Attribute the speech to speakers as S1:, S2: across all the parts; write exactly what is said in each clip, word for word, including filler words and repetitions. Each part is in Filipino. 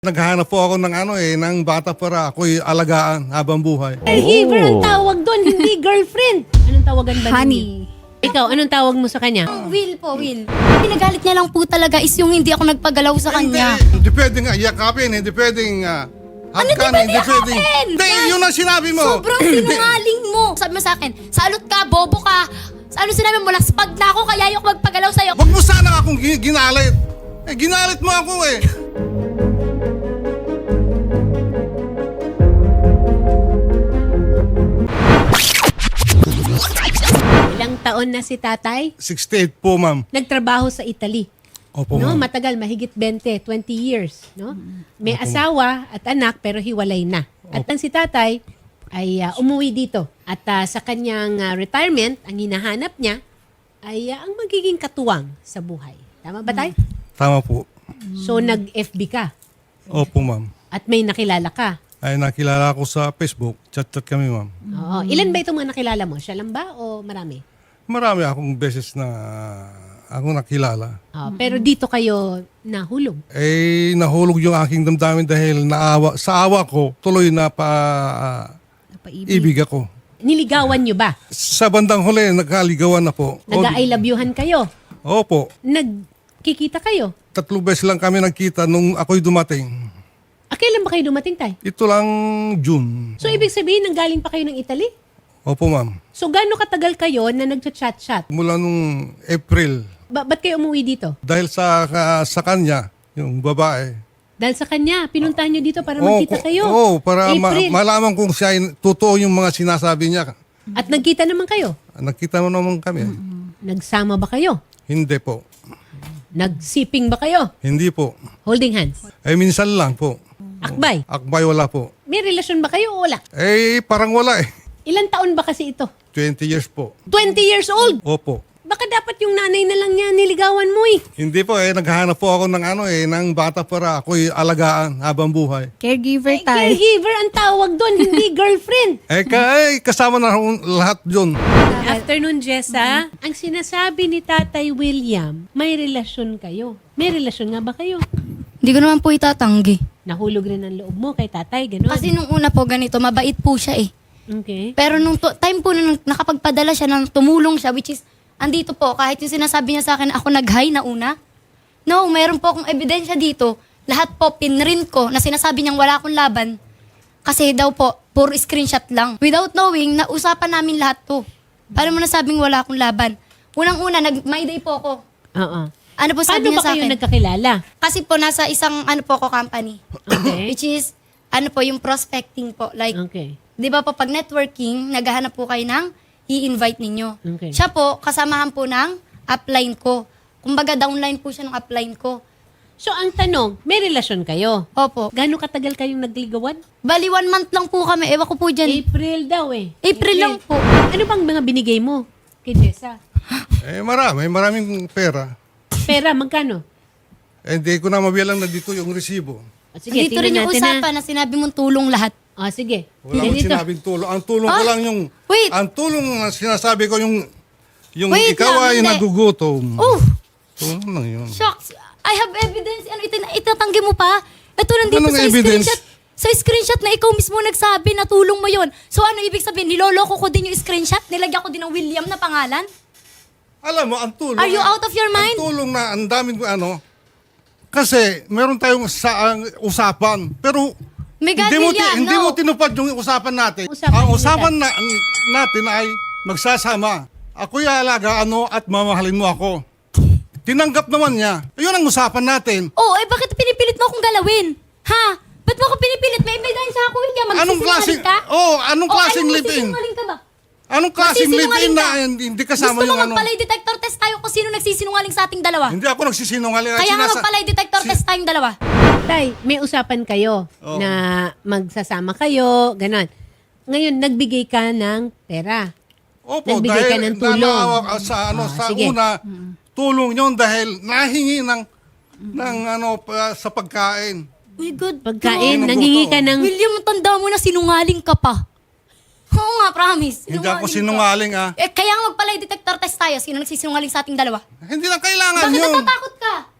S1: Naghahanap po ako ng ano eh, ng bata para ako'y alagaan habang buhay.
S2: Caregiver ang tawag doon, hindi girlfriend. Anong tawagan ba
S3: Honey.
S2: ninyo? Ikaw, anong tawag mo sa kanya?
S3: Will po, Will. Pinagalit niya lang po talaga is yung hindi ako nagpagalaw sa kanya.
S1: Hindi, hindi pwedeng uh, yakapin, hindi pwedeng uh,
S3: Ano di ba
S1: hindi pwedeng.
S3: yakapin?
S1: Hindi, yun ang sinabi mo.
S3: Sobrang sinungaling mo. Sabi mo sa akin, salot ka, bobo ka. Sa ano sinabi mo, laspag na ako, kaya ayoko magpagalaw sa'yo.
S1: Huwag mo sana akong gi- ginalit. Eh, ginalit mo ako eh.
S2: Ilang taon na si tatay?
S1: sixty-eight po, ma'am.
S2: Nagtrabaho sa Italy.
S1: Opo,
S2: No,
S1: ma'am.
S2: matagal, mahigit twenty, twenty years, no? May asawa at anak pero hiwalay na. At ang si tatay ay ah, umuwi dito. At ah, sa kanyang ah, retirement, ang hinahanap niya ay ah, ang magiging katuwang sa buhay. Tama ba tay?
S1: Tama po.
S2: So nag-F B ka
S1: Opo, ma'am.
S2: at may nakilala ka.
S1: Ay nakilala ko sa Facebook. Chat-chat kami, ma'am.
S2: Oo. Ilan ba itong mga nakilala mo? Siya lang ba o marami?
S1: Marami akong beses na ako nakilala.
S2: Ah, pero dito kayo nahulog.
S1: Eh, nahulog yung aking damdamin dahil naawa, sa awa ko, tuloy na pa ah, ibig ako.
S2: Niligawan nyo ba?
S1: Sa bandang huli, nagkaligawan na po.
S2: Nag-I love you-han kayo?
S1: Opo.
S2: Nagkikita kayo?
S1: Tatlo beses lang kami nagkita nung ako'y dumating.
S2: Ah, kailan ba kayo dumating, tay?
S1: Ito lang June.
S2: So, ibig sabihin, nanggaling pa kayo ng Italy?
S1: Opo, ma'am.
S2: So, gaano katagal kayo na nagchat-chat-chat?
S1: Mula nung April.
S2: Ba- ba't kayo umuwi dito?
S1: Dahil sa ka- sa kanya, yung babae.
S2: Dahil sa kanya, pinuntahan nyo dito para
S1: Oo,
S2: magkita
S1: ko-
S2: kayo.
S1: Oo, para ma-
S2: April.
S1: malaman kung siya ay totoo yung mga sinasabi niya.
S2: At nagkita naman kayo?
S1: Nakita mo naman kami.
S2: Nagsama ba kayo?
S1: Hindi po.
S2: Nagsiping ba kayo?
S1: Hindi po.
S2: Holding hands?
S1: Eh, minsan lang po.
S2: Akbay?
S1: Akbay wala po.
S2: May relasyon ba kayo o wala?
S1: Eh, parang wala eh.
S2: Ilan taon ba kasi ito?
S1: twenty years po.
S2: twenty years old!
S1: Opo.
S2: Baka dapat yung nanay na lang niya niligawan mo eh.
S1: Hindi po eh, naghahanap po ako ng ano eh, ng bata para ako'y alagaan habang buhay.
S3: Caregiver tayo.
S2: Caregiver ang tawag doon, hindi girlfriend.
S1: Eh, ka, eh kasama na ho- lahat yun.
S2: Afternoon, Jessa. Ang sinasabi ni Tatay William, may relasyon kayo. May relasyon nga ba kayo?
S3: Hindi ko naman po itatanggi.
S2: Nahulog rin ang loob mo kay tatay, gano'n?
S3: Kasi nung una po ganito, mabait po siya eh.
S2: Okay.
S3: Pero nung to- time po na nung nakapagpadala siya, nang tumulong siya, which is, andito po, kahit yung sinasabi niya sa akin, ako nag-hi na una. No, meron po akong ebidensya dito. Lahat po, pinrint ko, na sinasabi niyang wala akong laban. Kasi daw po, puro screenshot lang. Without knowing, nausapan namin lahat to. Paano mo nasabing wala akong laban? Unang-una, nag-my day po ako.
S2: Oo.
S3: Ano po sabi
S2: Paano
S3: niya
S2: ba
S3: sa
S2: kayo
S3: akin?
S2: nagkakilala?
S3: Kasi po, nasa isang, ano po ako, company.
S2: Okay.
S3: Which is, ano po, yung prospecting po. Like,
S2: Okay.
S3: di ba po, pag networking, naghahanap po kayo ng i-invite ninyo.
S2: Okay.
S3: Siya po, kasamahan po ng upline ko. Kumbaga, downline po siya ng upline ko.
S2: So, ang tanong, may relasyon kayo?
S3: Opo.
S2: Gaano katagal kayong nagligawan?
S3: Bali, one month lang po kami. Ewan ko po dyan.
S2: April daw eh.
S3: April lang po.
S2: Ano bang mga binigay mo kay Jessa?
S1: Eh, marami, maraming pera.
S2: Pera, magkano?
S1: Eh, hindi ko na mabilang na dito yung resibo.
S2: O, sige,
S3: Dito rin
S2: tingnan
S3: yung
S2: natin
S3: usapan na sinabi mong tulong lahat.
S2: O, sige.
S1: Wala akong
S2: Ganito.
S1: sinabing tulong. Ang tulong ko
S3: Ah,
S1: lang yung...
S3: wait.
S1: Ang tulong na sinasabi ko yung... Yung
S3: Wait
S1: ikaw
S3: lang,
S1: ay
S3: hindi.
S1: nagugutom.
S3: Oh,
S1: Tulong lang yun.
S3: shucks. I have evidence. Ano, itin- itatanggi mo pa? Ito nandito
S1: Anong
S3: sa
S1: evidence?
S3: screenshot. Sa screenshot na ikaw mismo nagsabi na tulong mo yon. So ano ibig sabihin? Niloloko ko din yung screenshot? Nilagyan ko din ng William na pangalan?
S1: Alam mo, ang tulong...
S3: Are you out of your mind?
S1: Ang tulong na ang daming ano... Kasi meron tayong sa, ang usapan. Pero
S3: Mega
S1: hindi mo, ti-
S3: William,
S1: hindi
S3: no.
S1: mo tinupad yung usapan natin.
S2: Usapan
S1: ang
S2: niyo
S1: usapan na, natin ay magsasama. Ako'y alaga ano at mamahalin mo ako. Tinanggap naman niya. Ayun ang usapan natin.
S3: Oh, eh bakit pinipilit mo akong galawin? Ha? Ba't mo ako pinipilit? May ebidensya ako, William.
S1: Anong klaseng...
S3: Magsisinungaling ka?
S1: Oh, anong klaseng
S3: oh,
S1: live-in?
S3: magsisinungaling ka ba?
S1: Anong klaseng
S3: Magsisinungaling
S1: live-in na
S3: ka?
S1: hindi hindi kasama
S3: Gusto mo
S1: yung ano?
S3: magpalay detector test tayo kung sino nagsisinungaling sa ating dalawa?
S1: Hindi ako nagsisinungaling.
S3: Kaya nga
S1: Sinasa-
S3: magpalay detector
S1: Si-
S3: test tayong dalawa.
S2: Tay, may usapan kayo
S1: Oo.
S2: na magsasama kayo, ganon. Ngayon, nagbigay ka ng pera.
S1: Opo,
S2: Nagbigay ka
S1: dahil
S2: ng tulong.
S1: nanaawa ka sa ano
S2: Ah,
S1: sa
S2: sige.
S1: una tulong yon dahil nahingi ng ng ano pa, sa pagkain.
S3: My God.
S2: Pagkain,
S1: Oo,
S2: nangingi
S1: nabuto.
S2: ka ng...
S3: William, tanda mo na sinungaling ka pa. Oo nga, promise.
S1: Hindi ako
S3: ka.
S1: sinungaling ah.
S3: Eh, kaya nga magpalay detector test tayo. Sino nagsisinungaling sa ating dalawa?
S1: Hindi na kailangan
S3: Bakit
S1: yun.
S3: natatakot ka?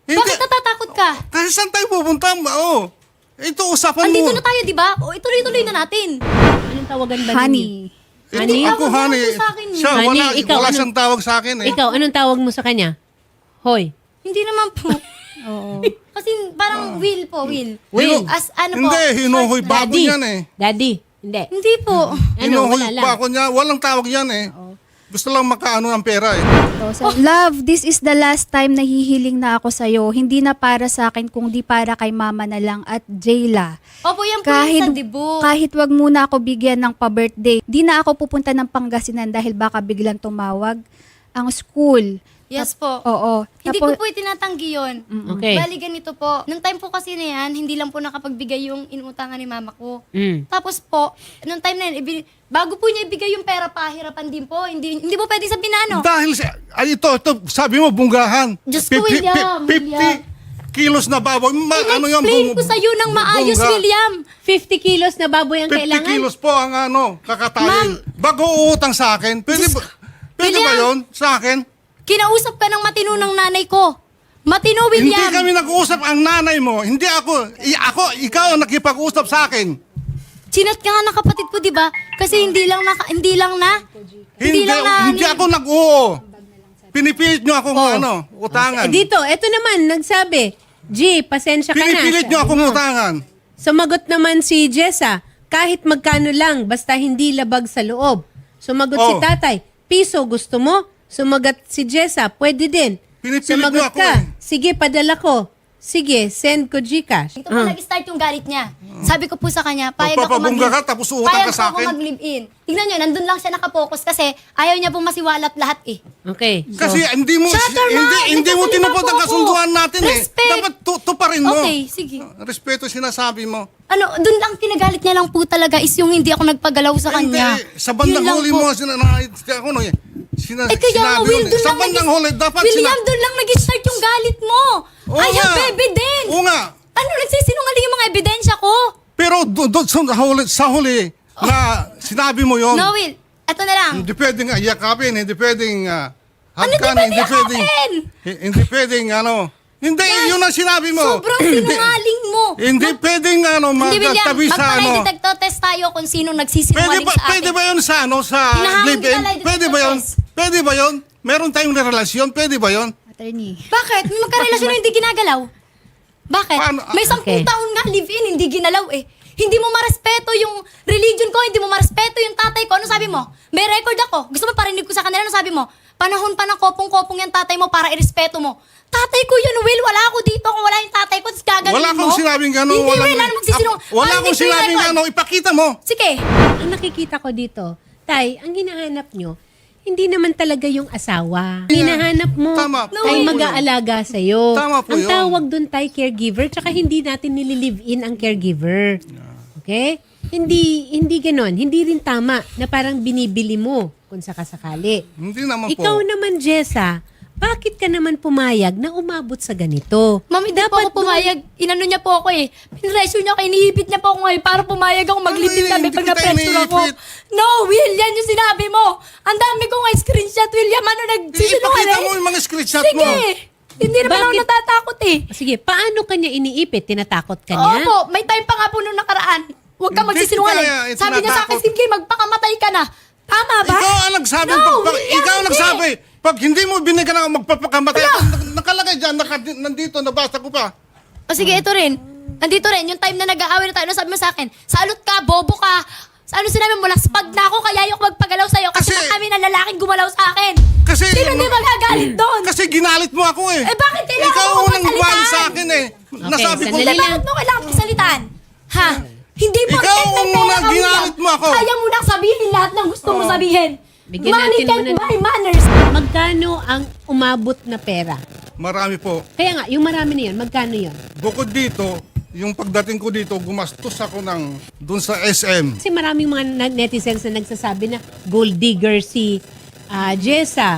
S1: Hindi.
S3: Bakit natatakot ka?
S1: Kasi saan tayo pupunta? Oo. Ito, usapan
S3: Andito
S1: mo.
S3: na tayo, di ba? O, ituloy-tuloy na natin.
S2: Anong tawagan ba ninyo?
S4: Honey.
S1: Ito,
S2: Honey?
S1: ako,
S3: Tawag
S1: honey.
S3: mo sa akin.
S1: Siya,
S2: Honey,
S1: wala,
S2: ikaw,
S1: wala
S2: ano-
S1: siyang tawag sa akin eh.
S2: Ikaw, anong tawag mo sa kanya? Hoy.
S3: Hindi naman po.
S4: Oo.
S3: Kasi parang will po, will.
S2: Will.
S3: As ano po.
S1: Hindi, hinuhoy
S3: short
S1: ba
S3: na-
S1: ako
S2: Daddy.
S1: niyan eh.
S2: Daddy. Hindi.
S3: Hindi po.
S2: Ano,
S1: Hinuhoy
S2: wala lang.
S1: pa ako niya. Walang tawag yan eh. Gusto lang makaano ng pera eh.
S4: So, so, love, this is the last time na hihiling na ako sa'yo. Hindi na para sa akin, kung di para kay mama na lang at Jayla.
S3: Opo, yan po
S4: Kahit,
S3: yung sa dibo.
S4: kahit wag muna ako bigyan ng pa-birthday, di na ako pupunta ng Pangasinan dahil baka biglang tumawag ang school.
S3: Yes po.
S4: Oo.
S3: Hindi
S4: Tapos-
S3: ko po itinatanggi yun.
S2: Okay.
S3: Bali ganito po. Nung time po kasi na yan, hindi lang po nakapagbigay yung inuutangan ni mama ko.
S2: Mm.
S3: Tapos po, nung time na yan, ibi- bago po niya ibigay yung pera, pahirapan din po. Hindi hindi po pwede sabihin na ano.
S1: Dahil, sa- ay ito, ito, sabi mo, bunggahan.
S3: Diyos ko,
S1: Fifty-
S3: William,
S1: fifty
S3: William.
S1: kilos na baboy. Ma, ano yung
S3: In-explain
S1: bung-
S3: ko sa'yo ng maayos,
S1: bungga?
S3: William.
S2: fifty kilos na baboy ang
S1: fifty
S2: kailangan?
S1: kilos po ang ano, kakatayin. Bago uutang sa akin, pwede ba, pwede ba
S3: William.
S1: yun sa akin?
S3: Kinausap ka ng matino ng nanay ko. Matino, William.
S1: Hindi kami nag-uusap ang nanay mo. Hindi ako. I- ako, ikaw ang nakipag-usap sa akin.
S3: Chinat ka nga ng kapatid ko, di ba? Kasi hindi lang na, hindi lang na,
S1: Hindi,
S3: lang na,
S1: hindi ako nag-oo. Pinipilit nyo akong
S2: Oh.
S1: ano, utangan.
S2: Eh, dito, eto naman, nagsabi, G, pasensya ka na.
S1: Pinipilit nyo
S2: Sabi
S1: akong
S2: mo.
S1: utangan.
S2: Sumagot naman si Jessa, kahit magkano lang, basta hindi labag sa loob. Sumagot si
S1: Oh.
S2: tatay, piso gusto mo? Sumagot si Jessa, pwede din.
S1: Pinipilit
S2: Sumagot
S1: mo ako
S2: ka,
S1: eh.
S2: sige, padala ko. Sige, send ko Gcash.
S3: Ito po
S2: Ah.
S3: nag-start yung galit niya. Sabi ko po sa kanya, payag ako
S1: Magpapabungga
S3: mag-
S1: ka, tapos uutang
S3: payag
S1: ka sa
S3: po ako
S1: akin?
S3: mag-live-in. Tignan nyo, nandun lang siya nakapokus kasi ayaw niya pong masiwalat lahat eh.
S2: Okay. so-
S1: Kasi hindi mo
S3: Shut your
S1: hindi
S3: mouth!
S1: hindi mo
S3: Nagsasalita
S1: tinupad
S3: po
S1: ang
S3: ako.
S1: kasunduan natin eh.
S3: Respect!
S1: Dapat tu- tuparin mo.
S3: Okay, sige.
S1: Respeto sinasabi mo.
S3: Ano, dun lang kinagalit niya lang po talaga is yung hindi ako nagpagalaw sa
S1: Hindi,
S3: kanya.
S1: sa bandang
S3: Yun lang
S1: huli
S3: po.
S1: mo sina, na, ako no, eh. sina,
S3: Eh kaya nga,
S1: sinabi
S3: Will,
S1: yun eh.
S3: dun
S1: Sa
S3: lang
S1: bandang
S3: nag-
S1: huli, dapat
S3: William,
S1: sina-
S3: dun lang nag-start yung galit mo.
S1: Oo
S3: I have
S1: nga.
S3: evidence.
S1: Oo nga.
S3: Ano, nagsisinungaling yung mga ebidensya ko?
S1: Pero doon do, sa huli, sa huli na sinabi mo yun,
S3: No, Will, eto na lang.
S1: hindi pwedeng yakapin, hindi pwedeng uh,
S3: Ano di
S1: hagkan,
S3: pwede
S1: hindi pwedeng,
S3: yakapin?
S1: hi- hindi pwedeng ano, hindi, yun ang sinabi mo.
S3: Sobrang
S1: Hindi-
S3: sinungaling mo.
S1: Hindi pwedeng ano,
S3: Hindi, William,
S1: magtabi sa ano.
S3: magpa-lie detector test tayo kung sino
S1: Pwede
S3: nagsisinungaling
S1: ba,
S3: sa akin.
S1: pwede ba yun sa ano, sa
S3: Hinahamon
S1: live-in?
S3: kita, lie
S1: Pwede ba yun?
S3: detector test.
S1: Pwede ba yun? Meron tayong relasyon, pwede ba yun?
S4: Attorney.
S3: Bakit? May magkarelasyon na hindi ginagalaw. Bakit?
S1: Paano?
S3: May sampung
S2: Okay.
S3: taon nga live-in, hindi ginalaw eh. Hindi mo marespeto yung religion ko, hindi mo marespeto yung tatay ko. Ano sabi mo? May record ako. Gusto mo parinig ko sa kanila, ano sabi mo? Panahon pa ng kopong-kopong yung tatay mo para irespeto mo. Tatay ko yun, Will. Wala ako dito kung wala yung tatay ko. Tapos gagaling
S1: Wala
S3: mo.
S1: akong sinabing gano'n.
S3: Hindi,
S1: walang-
S3: Will. Ano magsisinong?
S1: Ako- Wala akong sinabing gano'n. Ipakita mo.
S3: Sige.
S2: Ang nakikita ko dito, Tay, ang hinahanap nyo, hindi naman talaga yung asawa. Hinahanap mo
S1: Tama po
S2: ay
S1: yun.
S2: mag-aalaga sa'yo.
S1: Tama po
S2: ang
S1: yun.
S2: tawag dun, Tay, caregiver, tsaka hindi natin nililive-in ang caregiver. Okay? Hindi hindi ganon. Hindi rin tama na parang binibili mo kung sakasakali.
S1: Hindi naman
S2: Ikaw
S1: po.
S2: naman, Jessa, bakit ka naman pumayag na umabot sa ganito?
S3: Mami, di po ako pumayag. Inano niya po ako eh. Pinresyo niya ako, inihipit niya po ako ngayon para pumayag ako maglipid
S1: Ano,
S3: kami
S1: hindi
S3: pag
S1: kita
S3: na-pressure ako.
S1: inihipit.
S3: No, Will, yan yung sinabi mo. Ang dami ko nga screenshot, William. Ano
S1: Ipakita
S3: nagsisinungaling?
S1: mo yung mga screenshot
S3: Sige.
S1: mo.
S3: Hindi naman ako
S2: Bakit?
S3: natatakot eh.
S2: Sige, paano kanya iniipit? Tinatakot ka niya?
S3: Opo, may time pa nga po nung nakaraan. Huwag ka
S1: Hindi
S3: magsisinungaling.
S1: kaya, eh,
S3: Sabi niya sa akin,
S1: tinatakot.
S3: sige, magpakamatay ka na. Tama ba?
S1: Ikaw ang nagsabi.
S3: No,
S1: pag, pag,
S3: William,
S1: ikaw ang
S3: hindi.
S1: nagsabi. Pag hindi mo binigyan ako magpapakamatay,
S3: Wala.
S1: ako, nak- nakalagay dyan, naka, nandito, nabasa ko pa.
S3: O sige, ito rin. Nandito rin, yung time na nag-aaway na tayo, ano sabi mo sa akin? Salot ka, bobo ka. Sa ano sinabi mo, laspag na ako, kaya ayoko magpagalaw sa'yo kasi,
S1: Kasi-
S3: kami na lalaking gumalaw sa akin.
S1: Kasi,
S3: Sino hindi magagalit doon?
S1: Kasi ginalit mo ako eh.
S3: Eh, bakit kailangan
S1: Ikaw
S3: mo
S1: ang unang
S3: magsalitaan?
S1: buwan sa akin eh. Nasabi ko,
S2: sandali
S3: Hindi,
S2: lang.
S3: bakit mo kailangan pagsalitaan? Ha? Hindi po,
S1: Ikaw
S3: kahit may
S1: ang
S3: pera
S1: unang
S3: ka,
S1: ginalit
S3: William,
S1: mo ako.
S3: Kaya mo nang sabihin lahat ng gusto mo
S1: Oo.
S3: sabihin.
S2: Bigyan
S3: Money
S2: natin
S3: can't
S2: muna-
S3: buy manners.
S2: Magkano ang umabot na pera?
S1: marami po.
S2: Kaya nga, yung marami na yun, magkano yun?
S1: Bukod dito, yung pagdating ko dito, gumastos ako ng dun sa S M.
S2: Kasi maraming mga na- netizens na nagsasabi na gold digger si ah, Jessa,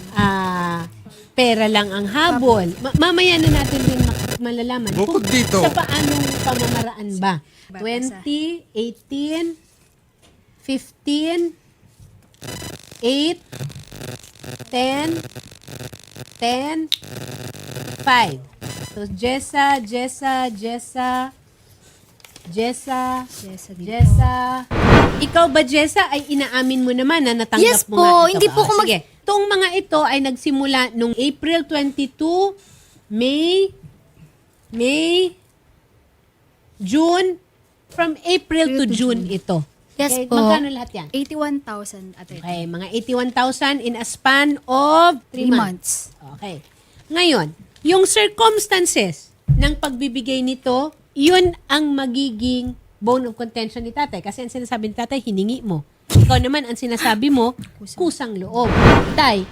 S2: ah, pera lang ang habol. Ma- mamaya na natin din mak- malalaman.
S1: Bukod
S2: kung
S1: dito.
S2: Sa paanong pamamaraan ba? twenty, eighteen, fifteen, eight, ten, ten, five. So, Jessa, Jessa, Jessa, Jessa,
S4: Jessa din
S2: Jessa. Ikaw ba, Jessa, ay inaamin mo naman na natanggap
S3: Yes
S2: mo
S3: po,
S2: nga ito?
S3: hindi po
S2: Ah,
S3: ako mag-
S2: Sige. Itong mga ito ay nagsimula nung April twenty-two, May, May, June, from April to June ito.
S3: Yes
S2: Okay,
S3: po.
S2: magkano lahat yan?
S4: eighty-one thousand at
S2: Okay, mga eighty-one thousand in a span of three
S4: three
S2: months.
S4: months.
S2: Okay. Ngayon, yung circumstances ng pagbibigay nito, yun ang magiging bone of contention ni tatay. Kasi ang sinasabi ni tatay, hiningi mo. Ikaw naman, ang sinasabi mo, kusang loob. Tay,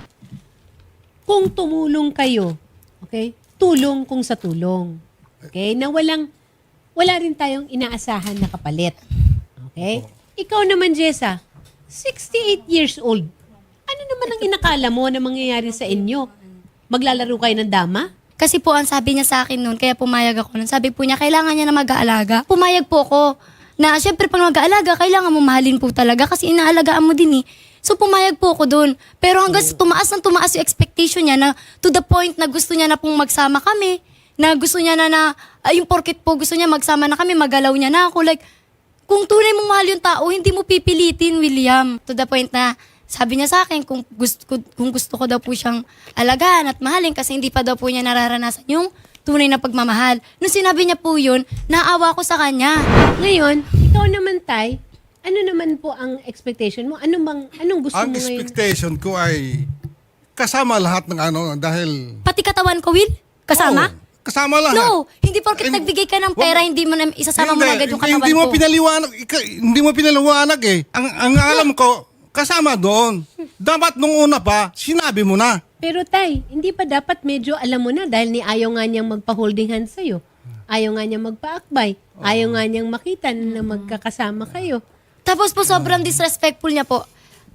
S2: kung tumulong kayo, okay, tulong kung sa tulong. Okay, na walang, wala rin tayong inaasahan na kapalit. Okay? Ikaw naman, Jessa, sixty-eight years old. Ano naman ang inakala mo na mangyayari sa inyo? Maglalaro kayo ng dama?
S3: Kasi po, ang sabi niya sa akin noon, kaya pumayag ako noon. Sabi po niya, kailangan niya na mag-aalaga. Pumayag po ako na, syempre, pag mag-aalaga, kailangan mo mahalin po talaga kasi inaalagaan mo din eh. So, pumayag po ako doon. Pero hanggang sa tumaas ng tumaas yung expectation niya na to the point na gusto niya na pong magsama kami, na gusto niya na na, ay, yung porket po gusto niya magsama na kami, magalaw niya na ako. Like, kung tunay mong mahal yung tao, hindi mo pipilitin, William. To the point na, sabi niya sa akin, kung gusto, kung gusto ko daw po siyang alagaan at mahalin kasi hindi pa daw po niya nararanasan yung tunay na pagmamahal. Nung sinabi niya po yun, naawa ko sa kanya.
S2: Ngayon, ikaw naman, Tay, ano naman po ang expectation mo? Ano bang, anong gusto
S1: Ang
S2: mo ngayon?
S1: expectation ko ay kasama lahat ng ano dahil...
S3: Pati katawan ko, Will? Kasama?
S1: Oo, kasama lahat.
S3: No, hindi porket
S1: And-
S3: nagbigay ka ng pera,
S1: Wag-
S3: hindi mo na isasama mo na agad yung
S1: hindi,
S3: katawan
S1: hindi mo
S3: ko.
S1: pinaliwanag, ika- hindi mo pinaliwanag eh. Ang, ang alam ko, kasama doon. Dapat nung una pa, sinabi mo na.
S2: Pero Tay, hindi pa dapat medyo alam mo na dahil ni ayaw nga niyang magpa-holding hands sa'yo. Ayaw nga niyang magpa-akbay. Ayaw nga niyang makita na magkakasama kayo.
S3: Tapos po, sobrang disrespectful niya po.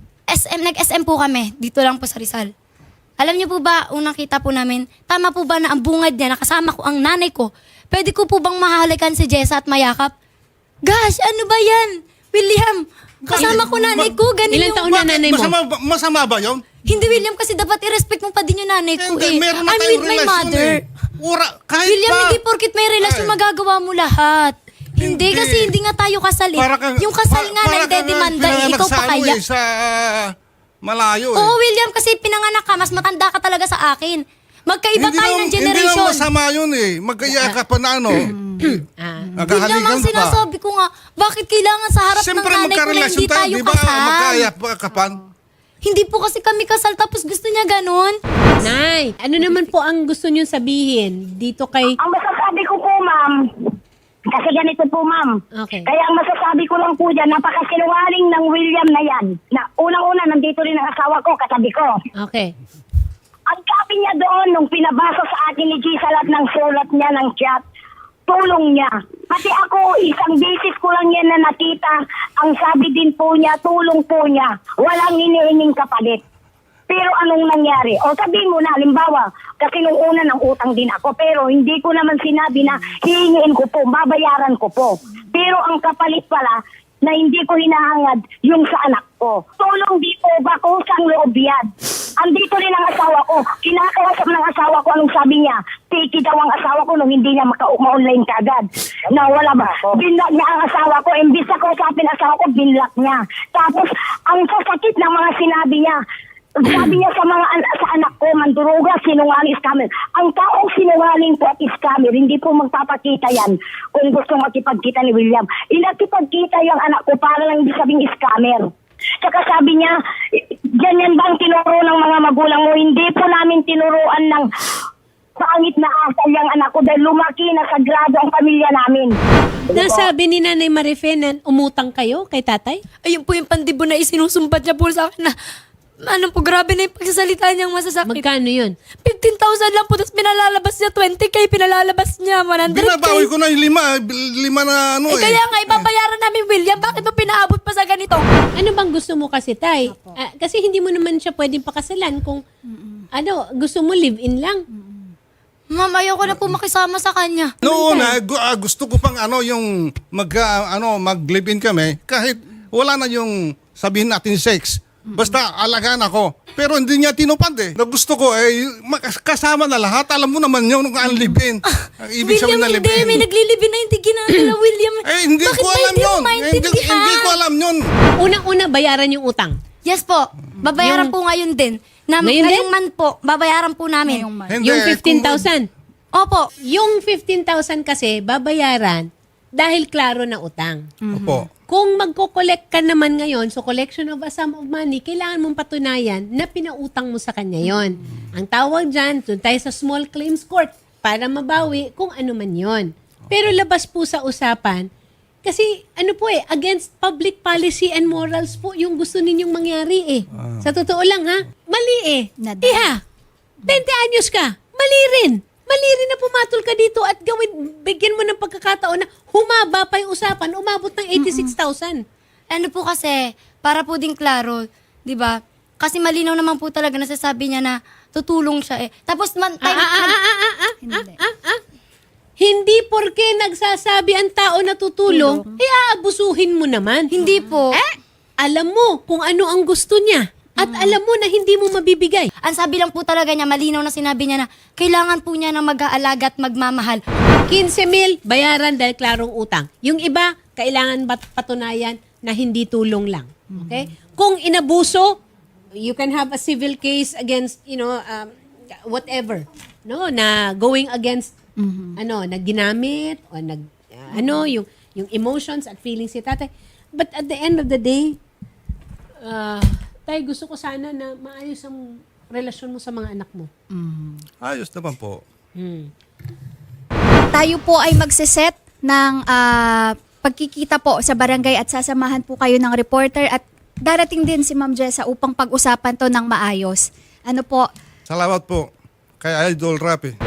S3: S M, nag-S M po kami, dito lang po sa Rizal. Alam niyo po ba, unang kita po namin, tama po ba na ang bungad niya, nakasama ko ang nanay ko, pwede ko po bang mahalikan si Jessa at mayakap? Gosh, ano ba yan? William, kasama ko nanay ko, ganun
S2: Ilang
S3: yung...
S2: taon na nanay mo?
S1: Masama, ba- masama ba yun?
S3: Hindi, William, kasi dapat i-respect mo pa din yung nanay ko
S1: Hindi,
S3: eh.
S1: meron na
S3: I'm
S1: tayong
S3: with my
S1: relasyon
S3: mother.
S1: eh. Ura, kahit
S3: William,
S1: pa.
S3: hindi porkit may relasyon
S1: Ay.
S3: magagawa mo lahat. Hindi,
S1: Hindi.
S3: kasi hindi nga tayo kasal eh.
S1: Para kang-
S3: Yung kasal
S1: pa-
S3: nga na
S1: para kang
S3: idedemanda eh,
S1: pinanganak
S3: ikaw
S1: sa
S3: pa
S1: ano
S3: kaya.
S1: eh, sa ah, malayo eh.
S3: Oo, William, kasi pinanganak ka, mas matanda ka talaga sa akin. Magkaiba
S1: Hindi
S3: tayo
S1: naman-
S3: ng generation.
S1: Hindi naman masama yun eh. Magkaya ka pa na ano.
S2: Ah.
S3: William,
S1: Naghahalikan
S3: ang
S1: pa.
S3: sinasabi ko nga, bakit kailangan sa harap
S1: Siyempre
S3: ng nanay ko na
S1: magkarelasyon
S3: hindi
S1: tayo,
S3: tayo
S1: di ba?
S3: kasal?
S1: Magkaya pa kapan.
S3: Hindi po kasi kami kasal, tapos gusto niya ganun.
S2: Nay, ano naman po ang gusto niyo sabihin dito kay...
S5: Ang masasabi ko po, ma'am, kasi ganito po, ma'am.
S2: Okay.
S5: Kaya ang masasabi ko lang po dyan, napakasinungaling ng William na yan. Na unang-una, nandito rin ang asawa ko, katabi ko.
S2: Okay.
S5: Ang sabi niya doon, nung pinabasa sa akin ni Giselle at ng sulat niya ng chat, tulong niya. Pati ako, isang beses ko lang yan na nakita, ang sabi din po niya, tulong po niya. Walang iniinging kapalit. Pero anong nangyari? O sabihin mo na, halimbawa, kasi nung una ng utang din ako, pero hindi ko naman sinabi na hihingiin ko po, babayaran ko po. Pero ang kapalit pala, na hindi ko hinahangad yung sa anak ko. Tulong di po ba kusang loob yan? Andito rin ang asawa ko. Kinakausap ng asawa ko, anong sabi niya? Tiki daw ang asawa ko nung hindi niya maka-online kagad. Na wala ba? Binlock niya ang asawa ko. Imbis na kausapin ang asawa ko, binlock niya. Tapos, ang sasakit ng mga sinabi niya, sabi niya sa mga an- sa anak ko, manduruga, sinungaling, scammer. Ang taong sinungaling po at scammer, hindi po magpapakita yan kung gusto makipagkita ni William. Inakipagkita yung anak ko para lang hindi sabing scammer. Tsaka sabi niya, ganyan ba ang tinuro ng mga magulang mo? Hindi po namin tinuruan ng pangit na asal yung anak ko dahil lumaki na sagrado ang pamilya namin.
S2: Nasabi ni Nanay Marife na umutang kayo kay tatay?
S3: Ayun po yung pandibo na isinusumbat niya po sa akin na, ano po, grabe na yung pagsasalita niyang masasakit.
S2: Magkano yun?
S3: fifteen thousand lang po, tapos pinalalabas niya twenty K, pinalalabas niya one hundred K.
S1: Binabawi ko na yung lima, lima na ano
S3: Eh,
S1: eh.
S3: kaya nga, ibabayaran namin, William. Bakit mo pinaabot pa sa ganito?
S2: Ano bang gusto mo kasi, Tay? Ah, kasi hindi mo naman siya pwedeng pakasalan kung ano, gusto mo live-in lang.
S3: Ma'am, ayoko na po makisama sa kanya.
S1: Noon na gu- ah, gusto ko pang ano yung mag ah, ano mag-live-in kami kahit wala na yung sabihin natin sex. Basta alagaan ako. Pero hindi niya tinupad eh. Na gusto ko eh, makas- kasama na lahat. Alam mo naman yun kung ang live-in. Ang ibig sabihin
S3: William,
S1: na
S3: hindi.
S1: live-in.
S3: May naglilibin na hindi ginagawa, William.
S1: Eh, hindi
S3: Bakit
S1: ko
S3: ba
S1: alam
S3: hindi
S1: yun.
S3: mo
S1: Hindi,
S3: maintindihan?
S1: hindi ko alam yun.
S2: Unang-una, bayaran yung utang.
S3: Yes po. Babayaran
S2: Yung-
S3: po ngayon din. Na,
S2: Ngayon
S3: ngayong
S2: din?
S3: month po, babayaran po namin.
S4: Ngayong month.
S1: Hindi,
S2: Yung fifteen thousand.
S3: Opo.
S2: Yung fifteen thousand kasi, babayaran dahil klaro na utang.
S1: Opo.
S2: Kung magko-collect ka naman ngayon, so collection of a sum of money, kailangan mong patunayan na pinautang mo sa kanya yon. Ang tawag dyan, doon tayo sa small claims court para mabawi kung ano man yon. Pero labas po sa usapan, kasi ano po eh, against public policy and morals po yung gusto ninyong mangyari eh. Sa totoo lang ha, mali eh.
S4: Nada.
S2: Iha, twenty anyos ka, mali rin. Mali rin na pumatol ka dito at gawin, bigyan mo ng pagkakataon na humaba pa yung usapan, umabot ng eighty-six thousand.
S3: Ano po kasi, para po din klaro, di ba? Kasi malinaw naman po talaga nasasabi niya na tutulong siya eh. Tapos man,
S2: Ah,
S3: time,
S2: ah, ah, ah, ah, ah,
S4: Hindi.
S2: ah, ah. Hindi porke nagsasabi ang tao na tutulong, eh aabusuhin mo naman.
S3: hindi po.
S2: Eh, alam mo kung ano ang gusto niya. At alam mo na hindi mo mabibigay.
S3: Ang sabi lang po talaga niya, malinaw na sinabi niya na kailangan po niya ng mag-aalaga at magmamahal.
S2: fifteen mil, bayaran dahil klarong utang. Yung iba, kailangan bat- patunayan na hindi tulong lang. Okay? Kung inabuso, you can have a civil case against, you know, um, whatever. No, na going against, ano, na ginamit, o nag, uh, ano, yung, yung emotions at feelings si tatay. But at the end of the day, uh, tay, gusto ko sana na maayos ang relasyon mo sa mga anak mo.
S1: Ayos naman po.
S2: Hmm.
S4: Tayo po ay magsiset ng ah, pagkikita po sa barangay at sasamahan po kayo ng reporter at darating din si Ma'am Jessa upang pag-usapan to ng maayos. Ano po,
S1: Salamat po kay Idol Rapi.